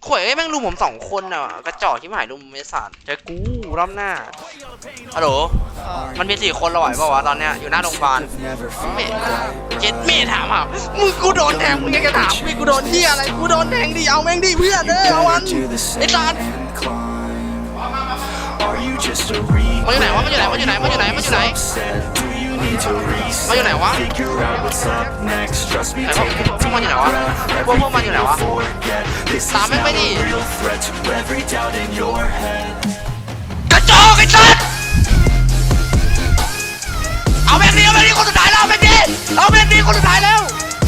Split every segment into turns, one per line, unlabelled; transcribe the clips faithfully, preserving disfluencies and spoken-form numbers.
ข่วยไอ้แม่งลุมผมสองคนอ่ะกระจอกที่หายลุมเมสานเจอกูรอบหน้าฮัลโหลมันมีสี่คนเราไหวเปล่าวะตอนเนี้ยอยู่หน้าโรงพยาบาลเมย์เจ็ดเมย์ถามอ่ะมึงกูโดนแทงมึงยังจะถามมึงกูโดนที่อะไรกูโดนแทงดิเอาแม่งดิเพื่อนเด้อเอาวันไอ้ตามันอยู่ไหนวะมันอยู่ไหนมันอยู่ไหนมันอยู่ไหนมันอยู่ไหนมันอยู่ไหนวะไหนพวกมันอยู่ไหนวะพวกพวกมันอยู่ไหนวะตามแม่งไปดิกระจอกไอ้สัสเอาแม่งดิเอาแม่งดิคนสุดท้ายแล้วเอาแม่งดิเอาแม่งดิคนสุดท้ายแล้ว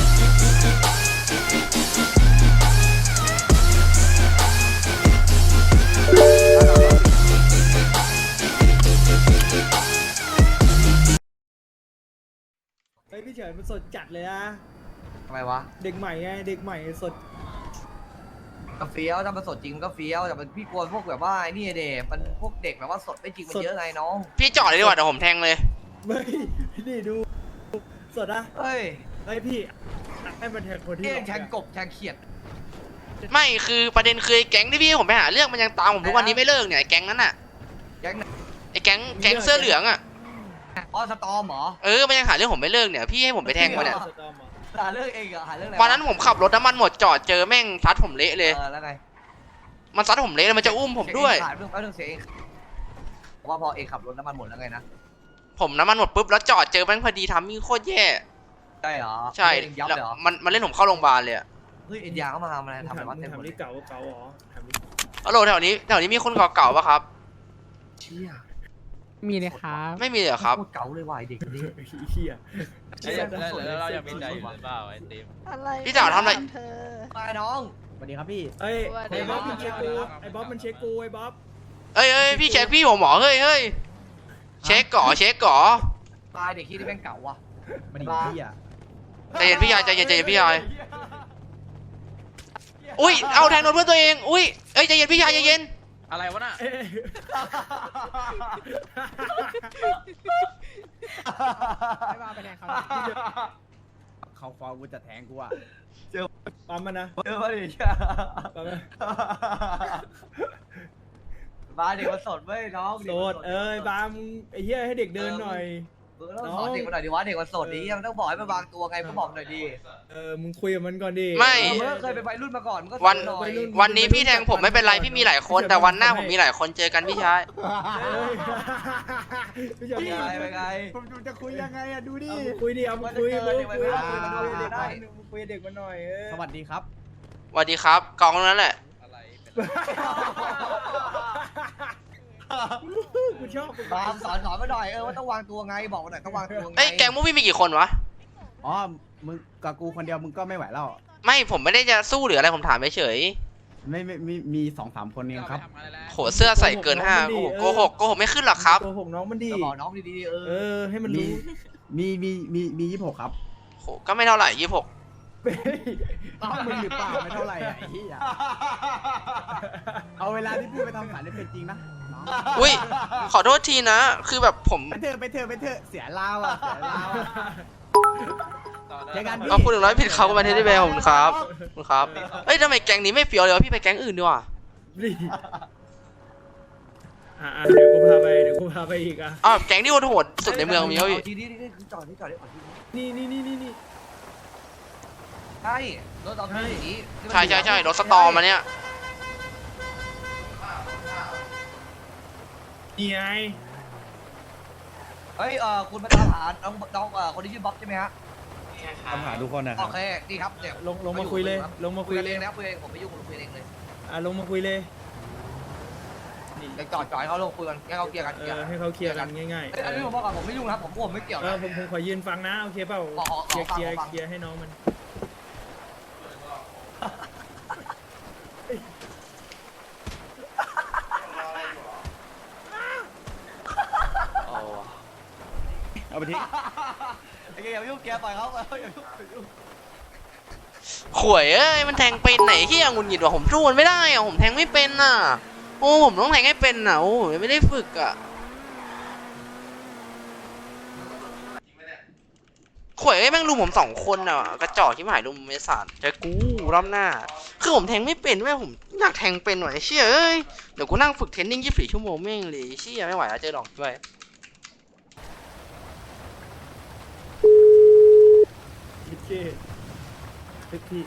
เฮ้ยพี่เฉยมันสดจัดเลยนะ
ทำไมวะ
เด็กใหม่ไงเด็กใหม่สด
ก็เฟี้ยวถ้ามันสดจริงก็เฟี้ยวแต่มันพี่กลัวพวกแบบว่าไอ้นี่เด็กมันพวกเด็กแบบว่าสดไม่จริงมันเยอะไงน้อง
พี่จอดเลยดีกว่าเดี๋ยวผมแทงเลย
ไม่นี่ดูสดนะ
เฮ้ย
ไอ้พี่ให้มันแทงคนที่
เอ้ยแทงกบแทงเขียด
ไม่คือประเด็นคือไอ้แก๊งที่พี่ผมไปหาเรื่องมันยังตามผมทุกวันนี้ไม่เลิกเนี่ยไอ้แก๊งนั้นน่ะ
แก๊งไหน
ไอ้แก๊งแก๊งเสื้อเหลืองอ่ะ
อ๋อสตอมเหรอ
เออมันยังหาเรื่องผมไม่เลิกเนี่ยพี่ให้ผมไปแทงมันเนี่ย
สตอมเหรอ
หาเรื่องเองเหรอหาเรื่องอะไร
วันนั้นผมขับรถน้ำมันหมดจอดเจอแม่งซัดผมเละเลย
เออแล้วไง
มันซัดผมเละเลยมันจะอุ้มผมด้วย
ขายเรื่องแป๊บนึงเสียเองว่าพอเองขับรถน้ำมันหมดแล้วไงนะ
ผมน้ำมันหมดปุ๊บแล้วจอดเจอแม่งพอดีทำมิ่งโคตรแย่
ใช่เหรอ
ใช่
เองยับ
แล้ว
เลยเหรอ
มันมันเล่นผมเข้าโรงพยาบาลเลยอะ
เฮ้ยเอ็นยาเข้ามาทำอะไรทำอะไรวะ
มึง
เต็มหมด
ทำ
เล
นี่
ย
เก่าเก่าเหรอทำนี่
ฮัลโหลแถวนี้แถวนี้มีคนเก่าๆป่ะครับ
เชี่ย
มีเลยครับ
ไม่มีเลยเหรอครับ
โคตเก๋าเลยว่ะไอ้เด็กคนนี้
เฮีย
แล้วเรายังมีใจอยู่หรือเปล่าไอ้ติม
อะไร
พี่สาวทำอะไร
เธอ
ไปน้อง
สวัสดีครับพี่
เอ้ยไอ้บ๊อบมันเช็คกูไอ้บ๊อบมันเช็คกูไอ้บ๊อบ
เอ้ยเอ้ยพี่เช็คพี่ผมหมอเฮ้ยเฮ้ยเช็คก่อเช็คก่อ
ตายเด็กขี้ที่แม่งเก๋าว่ะ
มันดีพี่อ่ะ
ใจเย็นพี่ยายใจเย็นใจเย็นพี่ยายอุ้ยเอาแทงโดนเพื่อนตัวเองอุ้ยเอ้ยใจเย็นพี่ยายใจเย็น
อะไรวะน่ะ
เอ้ย
ไม่ว่าไปแทงเขาเขาฟอกูจะแทงกูอ่ะ
ปั๊มมันนะ
เออมาดิเชี่ย
ปั๊มมัน
มาเด็กมันสดเว้ยน้อง
โสดเอ้ยปั๊มไอ้เฮียให้เด็กเดินหน่อย
เออต้องสอนเด็กมันหน่อยดิวะเด็กมันสดดิมันต้องบอกให้มันวางตัวไงก็บอกหน่อยดิ
เออมึงคุยกับมันก่อนดิ
ไม่
เมื่อเคยเป็นวัยรุ่นมาก่อนมันก็
วัน
หน่อย
วันนี้พี่แทงผมไม่เป็นไรพี่มีหลายคนแต่วันหน้าผมมีหลายคนเจอกันพี่ชาย
เอ้ยพี่เฉย
เป็นไงเป็นไง
ผมจะคุยยังไงอ่ะดูดิ
เอามึงคุยดิเอามึงคุย
มัน
มึ
จะ
ง
เจอ
คุย
เด็ก
มึ
วั
ง
ย
คุ
รุ่
ย
น
เด็ก
ได้
มึงคุยเด็กมันหน่อยเออ
สวัสดีครับ
สวัสดีครับกองนั้นแหละ
อะไรเป็น
กูชอบกู
ตามสอนสอนมาหน่อยเออว่าต้องวางตัวไงบอกมาหน่อยต้องวางตัวไง
เอ้ยแก๊งมูวี่มีกี่คนวะ
อ๋อ มึงกับกูคนเดียวมึงก็ไม่ไหวแล้ว
ไม่ผมไม่ได้จะสู้หรืออะไรผมถามเฉย
ไม่ไม่มีมีสองสามคนเองครับ
ๆโหเสื้อใส่เกินห้าโอ้โหโกหกโกหกไม่ขึ้นหรอกครับ
โกหกน้องมันดี
ก็บอกน้องดีๆเอ
เอ
อ
อให้มัน
มี
รู้
มีมีมีมียี่สิบหกครับ
โหก็ไม่เท่าไหร่ยี่หก
เฮ้ย
อ้าวมึงหรือเปล่าไม่เท่าไหร่อ่ะไอ้เหี้ยเอาเวลาที่พูดไปทำฝันให้เป็นจริงนะน้อง
อุ้ยขอโทษทีนะ คือแบบผม
ไปเถอะไปเถอะไปเถอะเสียลาวอ่ะเสียลาวอะเจอกันพี่
เอาพูดถึงร้อยผิดเขาก็มาเทสได้แบผมครับขอบคุณครับเอ้ยทำไมแก๊งนี้ไม่เฟี้ยวเลยวะพี่ไปแก๊งอื่นดีกว่า
นี่อ่ะอ่ะเดี๋ยวกูพาไปเดี๋ยวกูพาไปอีกอ่ะ
อ้าวแก๊งที่โหดๆสุดในเมืองมีเขาอีก
ทีนี้นี่จอดนี่จอดนี่ก่อนทีนี้
นี่นี่นี่นี่นี่
ใช่รถเอาที่นี้
ใช่ใช่ใช่รถสตอมมาเนี่ย
นี่ไง
เฮ้ยเออคุณมาตามหาน้องน้องเออคนที่ชื่อบ๊อบใช่ไหมฮะ
ทำหาทุกคนนะค
โอ
รับ
เคดีครับเนี่ย
ลงลงมาคุยเลยลงมา
คุ
คุ
ย
ย
กัน
เล
เอย งนะคุยเองผมไม่ยุ่งผมคุยเองเลย
อ่ะลงมาคุยเลย
เดี๋ยวจอดจอดให้เขาลงคุยกันให้เขาเคลียร์กัน
เอ
เคลียร์
อให้เขาเคลียร์กันง่าย
เอ้ยอันนี้ผมบอกก่อนผมไม่ยุ่งนะผมผมไม่เกี่ยว
ๆเอ
นะ
อผมผมขอยืนฟังนะโอเคเปล่า
ขอขอ
เคลียร์
ขอ
เคลียร์
ฟัง
เคลียร์ให้น้องมัน
เอาไปทิ้ง
ไอ้เกียร์อย่าไปยุ่งเกียร์ปล่อยเขาอย่ายุ่งอย่ายุ่ง
ข่วยเอ้ยมันแทงเป็นไหนที่ยังงุนหงิดว่ะผมสู้มันไม่ได้อะผมแทงไม่เป็นน่ะโอ้ผมต้องแทงให้เป็นน่ะโอ้ผมไม่ได้ฝึกอ่ะข่วยเอ้ยแม่งลุมผมสองคนอ่ะกระจอกที่หายลุมไม่สานเจอกูรอบหน้าคือผมแทงไม่เป็นแม่ผมอยากแทงเป็นหน่อยเชี่ยเอ้ยเดี๋ยวกูนั่งฝึกเทรนนิ่งยี่สิบสี่ชั่วโมงแม่งเลยเชี่ยไม่ไหวแล้วเจอดอกด้วย
คิดเก้เฮ้ยพี่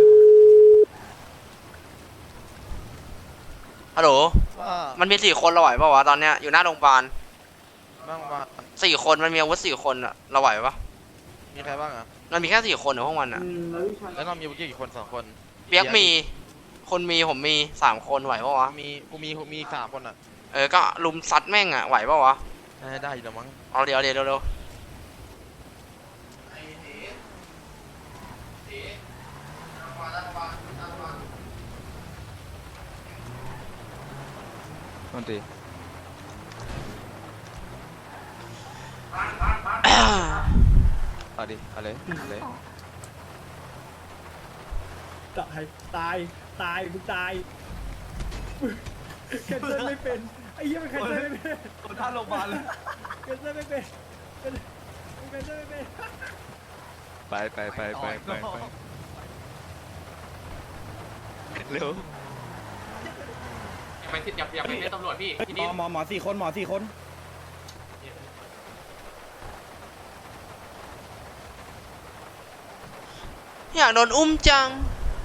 ฮัลโหล
ว่า
มันมีสี่คนเราไหวปะวะตอนเนี้ยอยู่หน้าโรงพยาบาล
บ้างว่า
สี่คนมันมีอาวุธสี่คนอ่ะเราไหวปะ
มีใครบ้างอ่ะ
มันมีแค่สี่คนเหรอพวกมันอ่ะ
แล้วเรามีบุกี้กี่คนสองคน
เปียกมีคนมีผมมีสามคนไหวปะวะ
มีกูมีกูมีสามคนอ่ะ
เออก็ลุมซัดแม่งอ่ะไหวปะวะ
ได้ได้อยู่แล้วมั้ง
เอาเดี๋ยวเดี๋ยวเร็ว
มันตี เอาดิเอาเลยเอาเลย
ตายตายตายมึงตายแคนเซิลไม่เป็นไอ้เหี้ยมันแคนเซิลไม่เป็น
คนท่าโรงพยาบาลเลย
แคนเซิลไม่เป็นแคนเซิลไม่เป็น
ไปไปไปไปไปไปเร็ว
อย่าไปติดอย่าอย่าไปเรียกตำรวจพี่ที่
หม
นี่
อหมอหมอสี่คนหมอสี่คน
ๆอยากโดนอุ้มจัง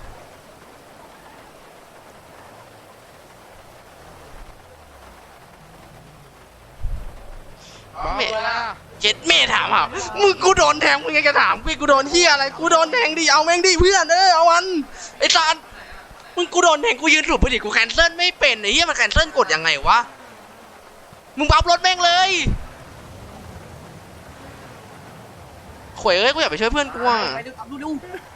เมทเจ็ดเมทถามอ่ะมึงกูโดนแทงมึงยังจะถามกูกูโดนเฮียอะไรกูโดนแทงดิเอาแม่งดิเพื่อนเออเอาวันไอ้ตามึงกูโดนแทงกูยืนหลุดพอดีกูแคนเซิลไม่เป็นไอ้เหี้ยมันแคนเซิลกดยังไงวะมึงบัฟรถแม่งเลยข่วยเอ้ยกูอยากไปช่วยเพื่อนกูอ่ะ
ไปดูทำดูดู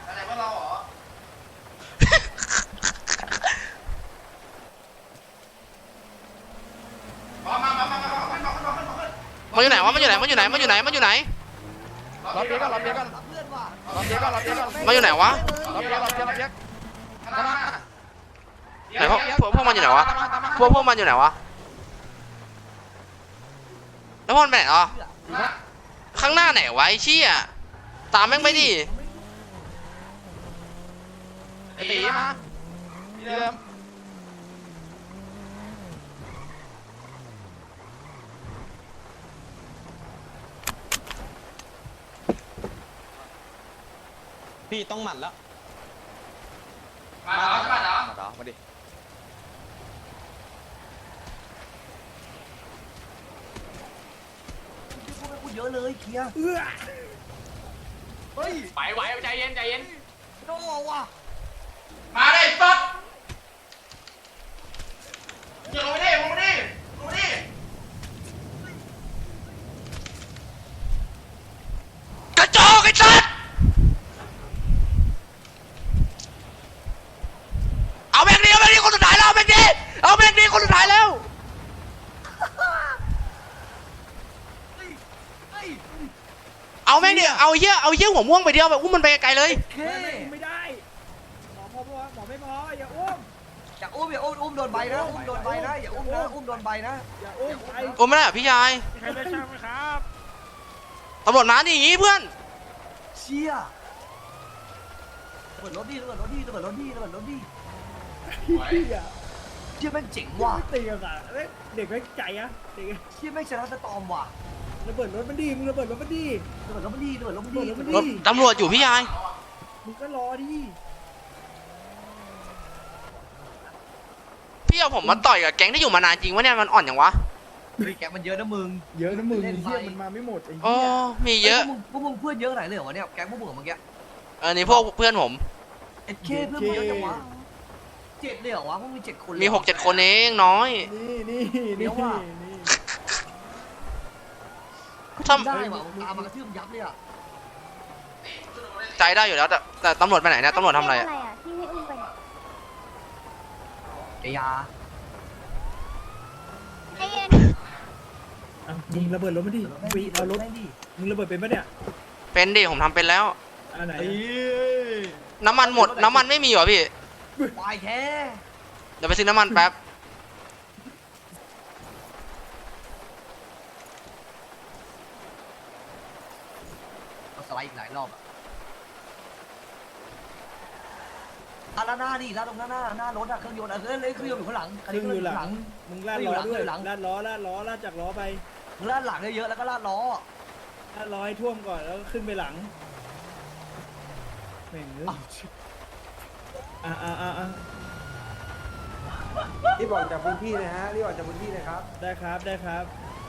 มันอยู่ไหนวะมันอยู่ไหนมันอยู่ไหนมันอยู่ไหนมันอยู่ไหน
รับเบี้ยกันรับเบี้ยกัน
รับเพื่อนว่ะ
รับเบี้ยกันรับเบี้ยกัน
มันอยู่ไหนวะ
รับเบี้ยรับเบี้ยรับเบี้ย
ไหนพวกพวกพวกมันอยู่ไหนวะพวกพวกมันอยู่ไหนวะแล้วพวกมันไปไหนอ่ะข้างหน้าไหนวะไอ้เชี่ยตามแม่งไปดิ
ไอ้ตีมาเดิม
พี่ต้องหมัดแล้ว
มาแล้วมาแล้ว
มาต่อมาดิ
พูดเยอะเลยเคลียร์
เอื้อ
เฮ้ย
ไปไหวใจเย็นใจเย็น
โดนว่ะ
มาเลยปั๊บ
อย่าลงไปดิลงไปดิลงไปดิกระจอกไอ้สัสเอาแม่งดิเอาแม่งดิคนสุดท้ายแล้วเอาแม่งดิเอาแม่งดิคนสุดท้ายแล้ว
เฮ้ย
เอาแม่งดิเอาเหี้ยเอาเหี้ยหัวม่วงไปเดียวแบบอุ้มมันไปไกลๆเลย
เค
ไม่ไม่ได้หมอพอพอหมอไม่พออย่าอุ้ม
อย่าอุ้มอย่าอุ้มอุ้มโดนใบนะอุ้มโดนใบนะอย่าอุ้มนะอุ้มโดนใบนะ
อย่าอุ้มไป
อุ้มไม่ได้เหรอพี่ชาย
ใครได้ช่างไหมครับ
ตำรวจมาดิอย่างงี้เพื่อน
เชี่ยเปิดรถดิเปิดรถดิเปิดรถดิเปิดรถดิ
เหี้ย
เชี่ยแม่งเจ๋งว่ะ
ไม่ตีกันอ่ะเด็กไม่ใจอ่ะเด็ก
เชี่ยแม่งชนะสตอมว่ะ
ระเบิดรถมันดีมึงระเบิดรถมันดี
เปิดรถมันดีเปิดรถมันดี
เปิดรถมัน
รถตำรวจอยู่พี่ชาย
มึงก็รอดิ
พี่เอาผมมาต่อยกับแก๊งที่อยู่มานานจริงวะเนี่ยมันอ่อนอย่างวะ
เฮ้ยแกมันเยอะนะมึง
เยอะนะมึง
เล่น
เฮีย
ไป
มันมาไม่หมดไอ้
โอ้
เหี้ย
มีเยอะ
พวกมึงพวกมึงเพื่อนเยอะไหนเลยเหรอวะเนี่ยแก๊งพวกมึงเมื่อกี้
เออนี่พวกเพื่อนผม
เอ็ดเคเพื่อนมึงเยอะจังวะเจ็ดเลยเหรอวะพวกมีเจ็ดคน
มีหกเจ็ดคนเองน้อย
นี่นี่
เดี๋
นี่
ยวว่ะ
นี่
ถ้า
ได้ว่ะตามมากระทืบยับเลยอ่ะ
ใจได้อยู่แล้วแต่แต่ตำรวจไปไหนเนี่ยตำรวจทำอะไรอะ
ที่ไม่อุ้มไปเนี่ย
ไอ้ยา
ไอ้เย็น
อ่ะมึงระเบิดรถมันดิปีเอารถ
แม่งดิ
มึงระเบิดเป็นปะเนี่ย
เป็นดิผมทำเป็นแล้ว
อันไหน
น้ำมันหมดน้ำมันไม่มีเหรอพี่
วายแท้
เดี๋ยวไปซื้อน้ำมันแป๊บ
สสไลด์อีกหลายรอบอะอ่ะแล้วหน้าดิแล้วตรงหน้าหน้าหน้ารถอะเครื่องยนต์อะเครื่องเครื่องยนต์อยู่ข้างหลังคัน
ซึ่
นี้
ง
เค
อ
รื่อง
ยู่
อยู่
หลั
หลั
ง
ง
มึงลาดล้อด้วย
หลัง
ลาดล้อลาดล้อลาดจากล้อไป
ลาดหลังเยอะๆแล้วก็ลาดล้อ
ลาดล้อให้ท่วมก่อนแล้วก็ขึ้นไปหลังแม่งเอ้ยอ่ะอ่ะอ่ะอ่ะ
รีบออกจากพื้นที่เลยฮะรีบออกจากพื้นที่เลยครับ
ได้ครับได้ครับ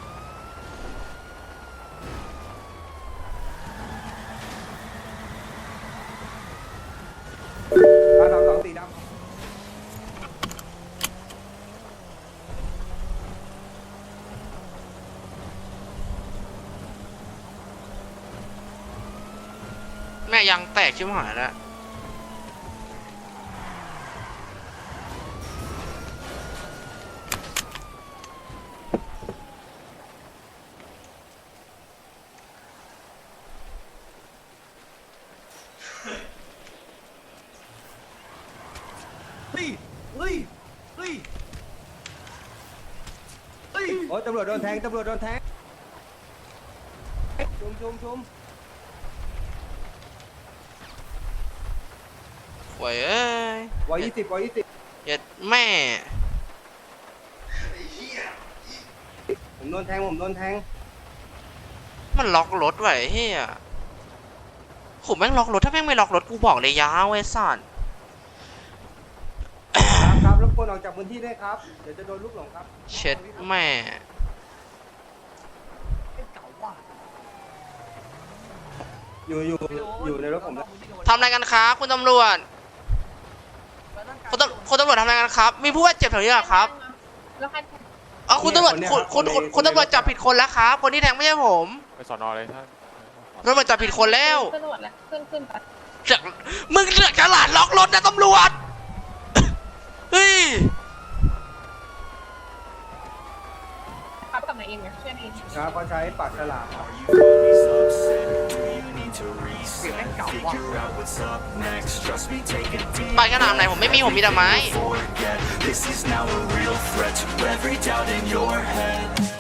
สามสองสีดำ
แม่ยังแตกชิบหายแล้ว
เฮ้ยเฮ้ยเฮ้ยเฮ้ย
โอ้ยตำรวจโดนแทงตำรวจโดนแทงชุมชุมชุม
โว้ยเอ้ย
วอยี่สิบวอยี่สิบ
เย็ดแม่
ผมโดนแทงผมโดนแทง
มันล็อกรถไว้เฮียผมแม่งล็อกรถถ้าแม่งไม่ล็อกรถกูบอกเลยยาวไอ้สัตว์
ครับครับรบกวนออกจากพื้นที่ด้วยครับเดี๋ยวจะโดนลูกหลงครับ
เช็ดแม่
เก่าว่ะ
อยู่อยู่อยู่ในรถผมแล้ว
ทำอะไรกันครับคุณตำรวจคุณตำคุณตำรวจทำอะไรกันครับ มีผู้บาดเจ็บแถวนี้เหรอครับ
แล้วใคร
อ๋อคุณตำรวจคุณคุณคุณคุณตำรวจจับผิดคนแล้วครับคนที่แทงไม่ใช่ผม
ไปสอนอเลยท่าน
ตำรวจจับผิดคนแล้ว
ขึ้นรถแล้วขึ้นขึ้นไป
เสือกมึงเสือกฉลาดล็อกรถนะตำรวจเฮ้ย
ขับกลับมาเองเนี่ยเชื่อเอง
ครับเขาใช้ปากฉลามครับ
เสียงแม่งเก่าว่ะ
ไปขนาดไหนผมไม่มีผมมีแต่ไม้
This is now a real threat to every doubt in your head.